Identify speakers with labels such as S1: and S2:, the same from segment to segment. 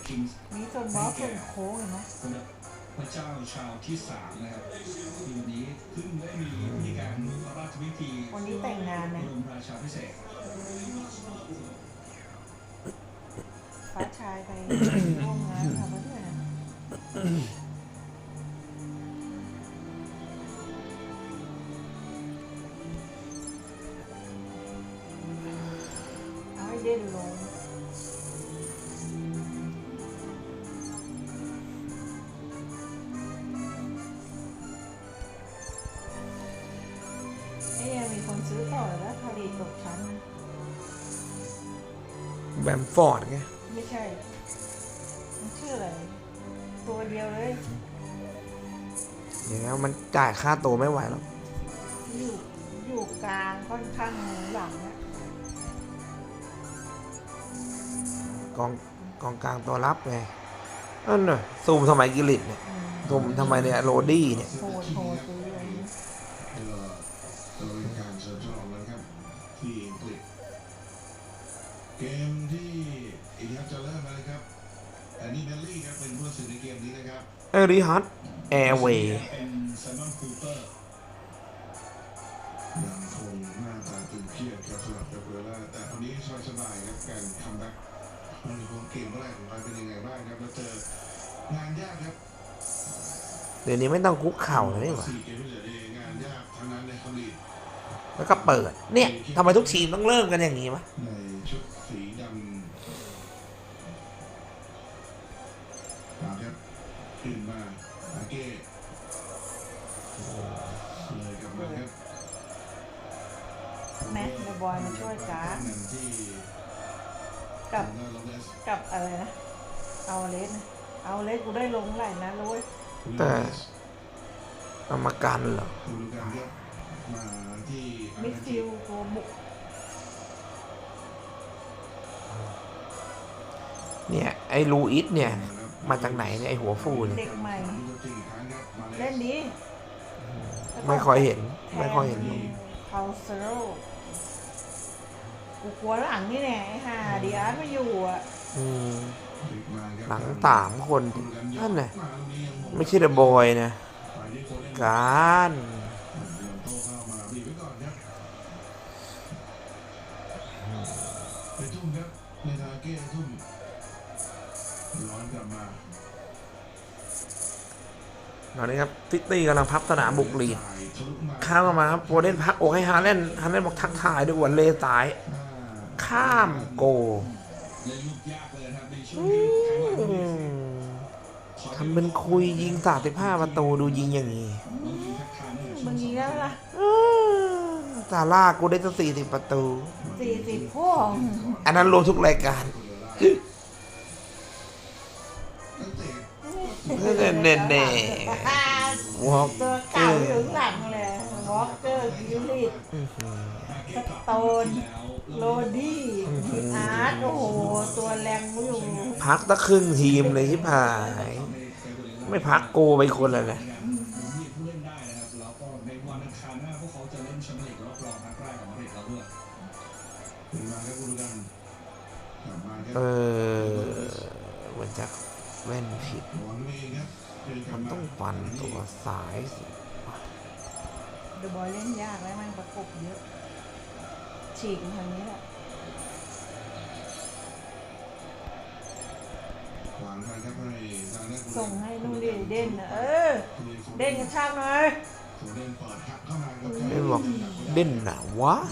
S1: มีส่วนบอสส่วนโค้งเห็นไหม
S2: พระเจ้าชาวที่3นะครับที่วันนี้เพิ่งได้มีพิธีการพระราชพิธี
S1: วันนี้แต่งงานนะ
S2: บรมราชาภิเษก
S1: ฟ้าชายไปร่วมงานค่ะเพื่อนเอาให้เด่นลงมีคนซื้อต่อแล้วผลิตตกชั้น
S3: แบมฟอร์ดไง
S1: ไม่ใช่มันชื่ออะไรตัวเดียวเลย
S3: เดี๋ยวมันจ่ายค่าตัวไม่ไหวแล้ว
S1: อยู่กลางค่อนข้างหลังนะ
S3: กองกลางตัวรับไงนั่นน่ะซูมทำไมกิลิตเนี่ยซูมทำไมเนี่ยโรดี้เนี่ย
S1: โหดซื้อเลย
S2: เป็นการเชิญฉลองเลยครับที่อังกฤษเกมที่อีกครับจะเริ่มแล้วนะครับอันนี้เบลลี่ครับเป็นผู้ตัดสินในเกมนี้นะครับ
S3: เอริฮัตแอร์เวย์
S2: เป็นไซมอนคูเปอร์ยังคงหน้าตาตึงเครียดครับสำหรับเบลล่าแต่คนนี้สบายๆครับการคัมแบ็กมันมีความเก่งแรกของมันเป็นยังไงบ้างครับแล้วเจองานยากครับ
S3: เดี๋ยวนี้ไม่ต้องคุกเข่าเลยนี่หว่า
S2: 4 เกมที่เหลืองานยากทั้งนั้นในคอมลี
S3: แล้วก็เปิดเนี่ยทำไมทุกทีมต้องเริ่มกันอย่างนี้วะ
S2: ในชุดสีดำครับขึ้นมาอาเก้เลยกลับมาครับ
S1: แม็กเดอะบอยมาช่วยจ้ากับอะไรนะเอาเลสนะเอาเลสกูได้ลงไหลนะรู้ย
S3: แต่กรรมการเหรอ
S1: มิดฟิลด์ตัวบุก
S3: เนี่ยไอ้ลูอิสเนี่ยมาจากไหนเนี่ยไอ้หัวฟูเนี่ย
S1: เด็กใหม่เล่นดี
S3: ไม่ค่อยเห็น
S1: พาวเซโร่กูกลัวหลังนี่แน่ไอ้ห่าดิอาร์ตไม่อยู่อ่ะ
S3: หลัง3 คนนั่นไงไม่ใช่เดอะบอยนะการตอนนี้ครับซิตี้กำลังพับสนามบุกลีดข้ามมาครับโปรเดนพักอกให้ฮาเลนบอกทักทายด้วยวันเลสายข้ามโกทำเป็นคุยยิง35 ประตูดูยิงอย่างนี้
S1: มึงยิงแล้วล่ะ
S3: ซาร่ากูได้ตั้ง40 ประตู
S1: 40พ่อ
S3: อันนั้นรวมทุกรายการเน่
S1: วอล์กตัวเก่าอยู่หลังเลยวอล์กเกอร์กิลลิตสโตนโรดี้อาร์ตโอ้โหตัวแรงอยู่
S3: พักตั้งครึ่งทีมเลยที่ผ่านไม่พักโกไปคนละเลยเหมือนจะแว่นผิดมันต้องฟันตัวสายสิ
S1: เดอะบอยเล่นยากแล้วมันประกบเยอะฉีกทางนี้แหละส่งให้นู่นดิเด่นเด่นกระชากหน่อย
S3: เด่นบอกเด่นหนาวะ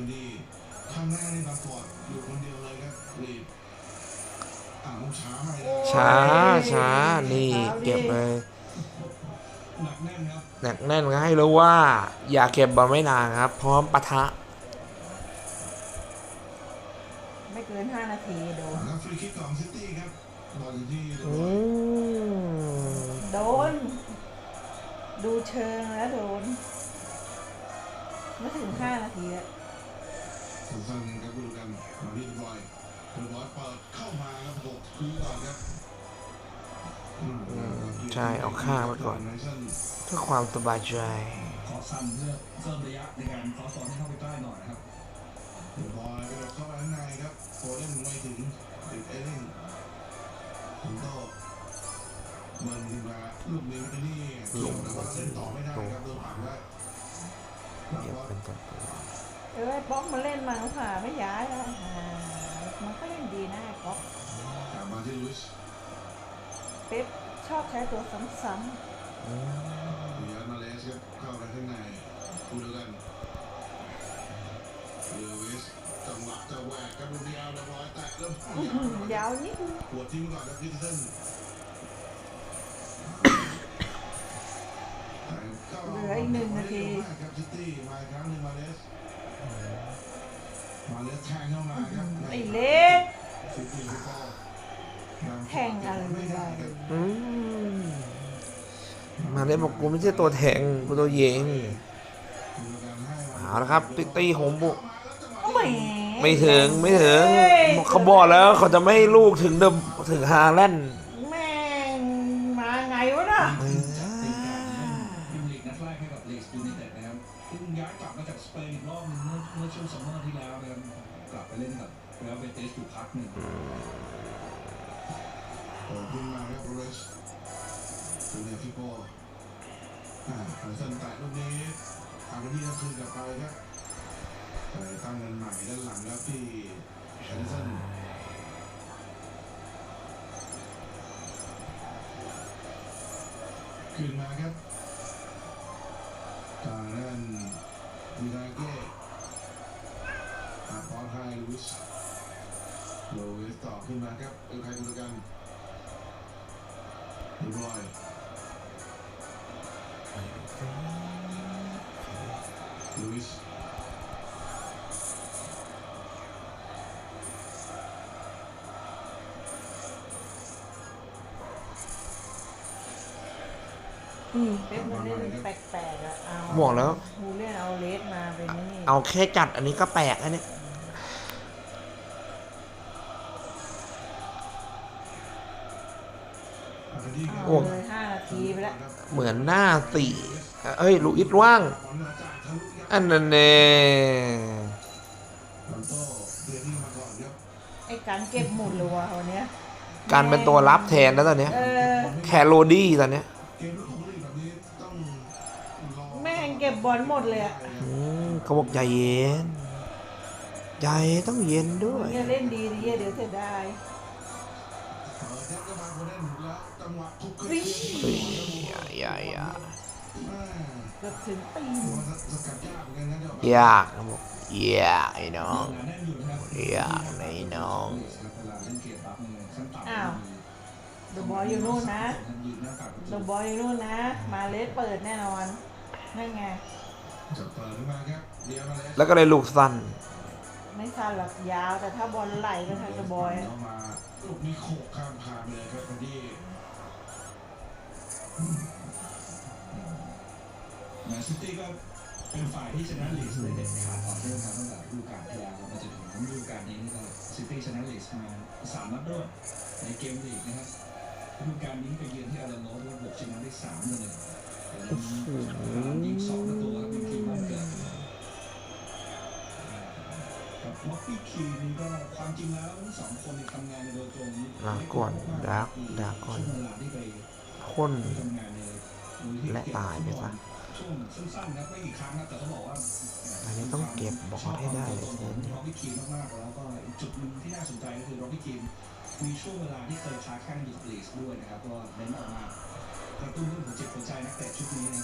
S3: ช้านี่เก็บเลยหนักแน่นก็ให้รู้ว่าอย่าเก็บบอลไม่นานครับพร้อมปะทะ
S1: ไม่เกิน5 นาทีโดนดูเชิงแล้วโดนไม่ถึง5 นาทีแล้ว
S2: สั้นๆครับดูกันมาที่บอยเปิดเข้ามาครับ6 ทีก่อนครับ
S3: ใช่เอาข้างไว้ก่อนเพื่อความสบายใจ
S2: ขอสั้นเพื่อเพิ่มระยะในการขอสอนให้เข้าไปใกล้หน่อยนะครับบอยเข้าไปข้างในครับโคเล่นไม่ถึงติดเอเล่น
S3: เป็นตัว
S1: ไอ้ป๊อกมาเล่นมาค่ะไม่ย้ายแล้วมันก็เล่นดีนะไอ้ป๊อก
S2: กลับมาที่ลุส
S1: เป๊ปชอบใช้ตัวซ้ำ
S2: เบียร์มาเลสครับเข้าไปข้างในคู่เดียวกันเลวิสจังหวะจะแหวกกับลูกเดียวเรียบร้อยแตะเริ่ม
S1: ๆยาวนิดนึง
S2: หัวทิ้งก่อนครับพีเตอร์สัน
S1: เหลืออีก1 นาที
S2: ครับซิตี้มาอีกครั้งหนึ่งมาเลสแทงเข้ามาครับ
S1: ไอ้เล็ก
S2: ซิตี้ลูกบอล
S1: แทงอะไรไม่ได้
S3: มาเล่นบอกกูไม่ใช่ตัวแทงกูตัวเยงเอาละครับซิตี้โหมบุก
S1: แหม
S3: ไม่ถึงเขาบอกแล้วเขาจะไม่ให้ลูกถึงฮาแลนด์
S1: แม่งมาไงวะน่ะ
S4: ทีมลีกนัดแรกให้กับลีดส์ยูไนเต็ดนะครับเพิ่งย้ายกลับมาจากสเปนอีกรอบนึงเมื่อช่วงซัมเมอร์ที่แล้วนะครับกลับไปเล่นกับเรอัลเบติสอยู่พักหนึ่ง
S2: ขึ้นมาครับโรเรสดูเนี่ยฟิโก้เซนแตะลูกนี้อาร์เบนี่ก็คืนกลับไปครับไปตั้งเงินใหม่ด้านหลังครับที่แฮนเซนขึ้นมาครับทางด้านมิราเก้พอลไฮลุสโลเวสต่อขึ้นมาครับใครดูกันเรียบร้อยลุยส์
S1: เป๊ปมันเล่นแปลกๆอะเอา
S3: บอกแล้ว
S1: ฮูเล่นเอาเลสมาเป็นนี่
S3: เอาแค่จัดอันนี้ก็แปลกแล้วเนี่ย
S1: เอาเลย5 นาทีไปแล้ว
S3: เหมือนหน้าสี่เอ้ยลูอิสว่าง อันนั้นเน่
S2: ลอนโต้เดือนนี้มาก่อนครับ
S1: ไอ้การเก็บหมุดเลยว่ะวันเนี้ย
S3: การเป็นตัวรับแทนแล้วตอนเนี้ย แคโรดี้ตอนเนี้ย
S2: เกมลูกของลีกแบบนี้ต้องรอ
S1: แม่งเก็บบอลหมดเลยอะ
S3: เขาบอกใจเย็นใจต้องเย็นด้วย
S1: เนี่ยเล่นดีดีเดี๋ยวเสียดาย
S2: เปิดยัดเข้ามาคนเล่นแล้วจังหวะทุกขึ้น
S3: เฮ้ยอย่า
S1: เกือบถึงตีน
S2: สกัดยากเหมือนกันนะเดี๋ยวย
S3: ากเขาบอกยากไอ้น้อง
S4: หนาแน่นอยู่นะครับ
S3: ยากไอ้น้อง
S4: เวลาเล่นเกมปั๊บเนี่ยขั้นต่ำ
S1: อ้าวเดอะบอลอยู่นู่นนะ
S4: ยืนหน้าปากประ
S1: เด
S4: ตู
S1: อะบอลอยู่นู่นนะ มาเลสเปิดแน่นอนนั่นไง
S2: จะเปิดขึ้นมาครับเดียวมาเลส
S3: แล้วก็เลยลูกสั้น
S1: ไม่สั้นหรอกยาวแต่ถ้าบอลไหลก็ทางเดอะบอยอะ
S2: เอามาลูกนี้โขกข้ามคานไปเลยครับคนที่
S4: แมนซิตี้ก็เป็นฝ่ายที่ชนะลีดส์ได้เด็ดขาดต่อเนื่องมาตั้งแต่ฤดูกาลที่แล้วมาจนถึงฤดูกาลนี้นะครับซิตี้ชนะลีดส์มา3 นัดรวดในเกมลีกนะครับฤดูกาลนี้ไปเยือนที่อาราโนด้วยบุกชนะได้3-1ยิง2 ประตูครับเป็นทีมบ้านเกิดกับล็อกกี้คีนี่ก็ความจริงแล้วทั้งสองคนเนี่ยทำงานโดยตรง
S3: ลาก่อนดักก่อน
S4: ช่วงเวลาที่ไป
S3: พ่น
S4: ทำงานในมูลนิธิ
S3: และตายไปซะ
S4: ช่วงสั้นๆนะไม่กี่ครั้งนะแต่ต้องบอกว่า
S3: อันนี้ต้องเก็บบอลให้ได้เลย
S4: ร็อกกี้คีมมากๆแล้วก็อีกจุดหนึ่งที่น่าสนใจก็คือร็อกกี้คีมมีช่วงเวลาที่เคยค้าแข้งอยู่กับลีสด้วยนะครับก็เน้นออกมากระตุ้นเรื่องหัวจิตหัวใจนักเตะชุดนี้นะ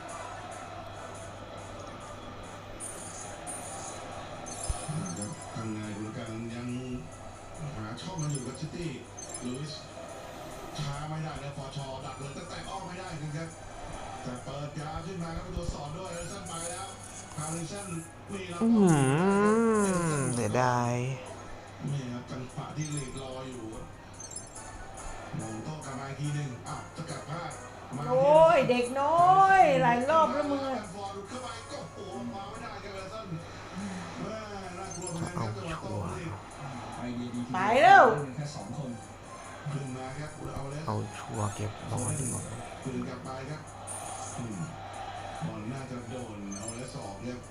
S2: ทำงานดูกันยังหาช่องกันอยู่กับซิตี้ลุยส์ช้าไม่ได้นะฟอร์ชอดักเลยแต่ออกไม่ได้ครับแต่เปิดยาวขึ้นมาครับตัวสอนด้วยเอลิสันไปแล้วฮาริสันมีแล้ว
S3: เสียดาย
S2: นี่ครับจังหวะที่ลีกรออยู่มองโต้กลับมาอีกทีหนึ่งสกัดพลาดมา
S1: โอ้ยเด็กน้อยหลายรอบแล้วมึงอะ
S2: ฟอร์หลุดเข้าไปก็โอ้มาไม่ได้ครับเอลิสันน่ากลัวเหมือนกันค
S3: เอา
S2: รับจังหวะ
S3: ชั
S2: โต้
S3: วร์
S4: ไอเดียดี
S1: ไปแล้ว
S4: แค่2 คน
S2: ขึ้นมาครับเอาเลย
S3: เอาชัวร์เก็บบอลดีกว่า
S2: คืนกลับไปครับบอลน่าจะโดนเอาแล้วสองเนี่ย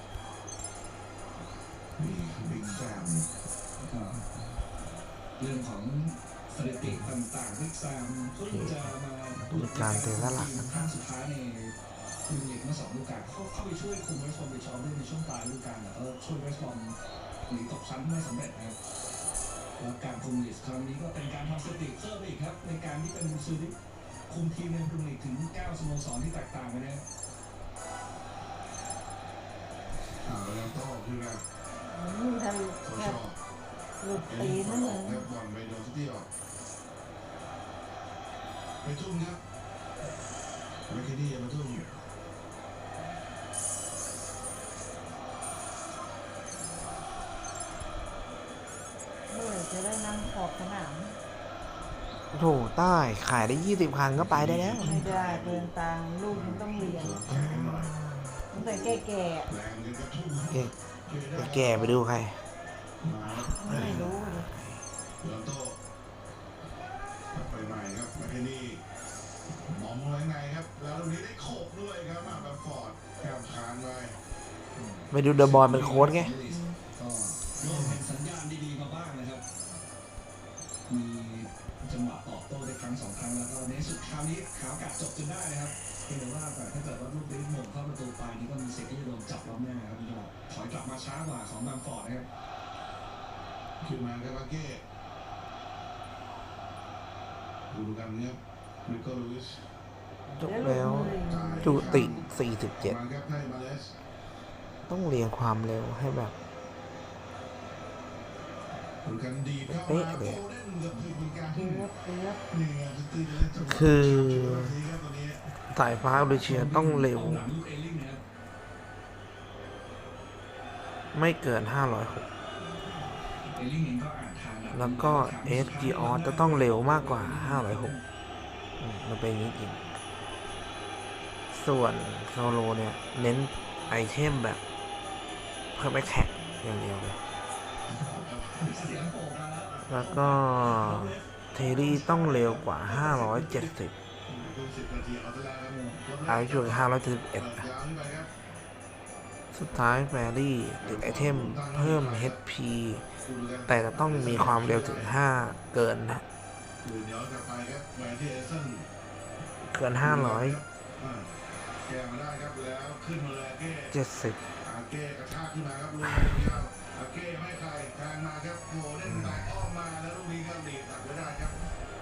S2: นี่บิ๊กแซม
S4: ก็เรื่องของสถิติต่างๆที่แซมเพิ่งจะมา
S3: มีการเตะละหลัก
S4: ครั้งสุดท้ายในพรีเมียร์ลีกเมื่อ2 ฤดูกาลเข้าไปช่วยคุมเวสต์บรอมวิชด้วยในช่วงปลายฤดูกาลแต่ก็ช่วยเวสต์บรอมหนีตกชั้นไม่สำเร็จนะครับแล้วการคุมลีกครั้งนี้ก็เป็นการทำสถิติเพิ่มอีกครับในการที่เป็นซูริคุมทีมในพรีเมียร์ลีกถึง9 สโมสรที่แตกต่างกันนะครับ
S2: แล้วโต้ขึ้นมา
S1: ถ้า
S2: โซ
S1: แบ
S2: ชอบ
S1: หลุดตีนนั่นเลย
S2: ครับบอลไปโดนซิตี้ออกไปทุ่มครับแมคเคนนี่มาทุ่ม
S1: จะได้นั่งขอบสนาม
S3: โถใต้ขายได้20 คันก็ไปได้แล้ว
S1: ไม่ได้เดินตังค์ลูกมันต้องเรียนตั้งแต่แก่
S2: แรงเงินกระทุ่ม
S3: เก่งแก่ไปดูใคร
S1: ๆไม่รู้เลย
S2: แล้วโต้ไปใหม่ครับแมคเคนนี่มองไว้ไงครับแล้วตรงนี้ได้โขกด้วยครับมาแบบฟอร์ดแก้มคานไป
S3: ไปดูเดอะบอลเป็นโค้ชไง
S4: ก็เริ่มเห็นสัญญาณดีๆมาบ้างนะครับ มีจังหวะตอบโต้ได้ครั้ง 2 ครั้งแล้วก็ในสุดคราวนี้ขาวกัดจบจนได้นะครับเพียงแต่ว่าแต่ถ้าเกิดว่าลูกนี้หม่งเข้าประตูไปนี่ก็มีสิทธิ์ที่จะโดนจับล้อมหน้าครับก็ถอยกลับมาช้ากว่าของบางฟอร์ดนะครับ
S2: ขึ้นมาครับอาเก้ดูกันครับริโก้ลูอิส
S3: จบแล้ว จุติ
S2: มาครับให้มาเลส
S3: 47 ต้องเรียงความเร็วให้แบบ
S2: ดูกันดีเข้า
S3: เป๊ะ
S2: มา
S3: เลย
S2: โคเล่นเกือบถึงเหมือนกัน
S1: เกือบเกือบ
S2: นี่ไงซิตี้เล่นจังหวะ
S3: คือ
S2: ครับตอนนี้
S3: สายฟ้าโดยเชียต้องเร็ว
S4: หลังลูกเอลลิงนะครับ
S3: ไม่เกิน 506
S4: เอลลิงเองก็อ่านทางหง
S3: แล้วก็เอสจีออจะต้องเร็วมากกว่า 506มันเป็นอย่างนี้จริง ส่วนโซโลเนี่ยเน้นไอเทมแบบเพื่อไม่แข่งอย่างเดียวเลย
S4: เสียงโผล่มาแล้ว
S3: แล้วก็เทรี่ต้องเร็วกว่า 570
S2: ดู10 นาทีเอาซะแล้วครับ
S3: อายุช่วง
S2: ยาว
S3: 571
S2: ขึ้นไปครับ
S3: สุดท้ายแฟรี่ติดไอเทมเพิ่ม HP
S2: ดูกัน
S3: แต่จะต้องมีความเร็วถึง 5 เกินนะ
S2: ดูย้อนกลับไปครับแมนที่เอเซน
S3: เกิน
S2: แกมาได้ครับแล้วขึ้นมาเลยอาเก้
S3: 570
S2: อาเก้กระชากขึ้นมาครับลูกเดียวอาเก้ไม่ใครแทงมาครับโหเล่นแตกอ้อมมาแล้วลูกนี้ก็ดีดตัดไว้ได้ครับ